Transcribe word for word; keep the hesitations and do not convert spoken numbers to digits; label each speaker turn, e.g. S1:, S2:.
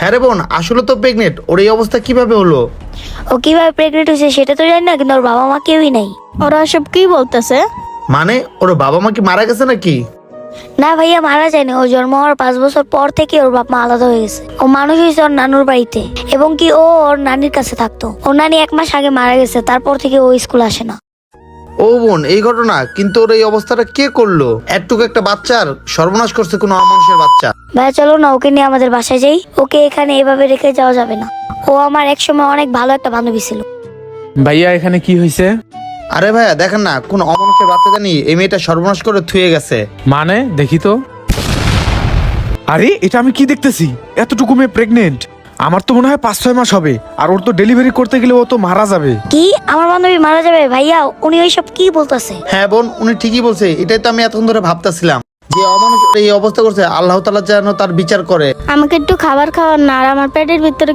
S1: হ্যাঁ রে বোন, আসলে তো প্রেগনেন্ট। ওর এই অবস্থা কিভাবে হলো?
S2: ও কিভাবে প্রেগনেন্ট হয়েছে সেটা তো জানি না, কিন্তু ওর বাবা মা কেউই নাই।
S3: ওরা সব কি বলতেছে?
S1: মানে ওর বাবা মা কি মারা গেছে নাকি?
S2: না ভাইয়া, মারা যায়নি। ও জন্ম হওয়ার পাঁচ বছর পর থেকে ওর বাপ মা আলাদা হয়ে গেছে। ও মানুষ হয়েছে ওর নানুর বাড়িতে, এবং কি ও ওর নানির কাছে থাকতো। ওর নানি এক মাস আগে মারা গেছে, তারপর থেকে ও স্কুল আসে না।
S1: ও বোন, এই ঘটনা। কিন্তু ওর এই অবস্থাটা কে করলো? এতটুকু একটা বাচ্চার সর্বনাশ করছে কোনো অমানুষের বাচ্চা।
S2: ভাইয়া চলো না, ওকে নিয়ে আমাদের বাসায় যাই। ওকে এখানে এভাবে রেখে যাওয়া যাবে না। ও আমার এক সময় অনেক ভালো একটা বান্ধবী ছিল।
S4: ভাইয়া এখানে কি হয়েছে?
S1: আরে ভাইয়া দেখেন না, কোন অমানুষের বাচ্চা জানি এই মেয়েটা সর্বনাশ করে থুয়ে গেছে।
S4: মানে দেখি তো। আরে এটা আমি কি দেখতেছি? এতটুকু মেয়ে প্রেগনেন্ট। আমার তো মনে হয় পাঁচ ছয় মাস হবে, আর ওর তো ডেলিভারি করতে গেলে ও তো মারা যাবে।
S2: কি আমার বান্ধবী মারা যাবে? ভাইয়া উনি ওইসব কি বলতেছে?
S1: হ্যাঁ বোন, উনি ঠিকই বলছে। এটাই তো আমি এতক্ষণ ধরে ভাবতেছিলাম, যে অমানুষ এই অবস্থা করছে, আল্লাহ তাআলা যেন তার বিচার করে।
S3: আমাকে একটু খাবার খাওয়ার না, আর আমার পেটের ভিতরে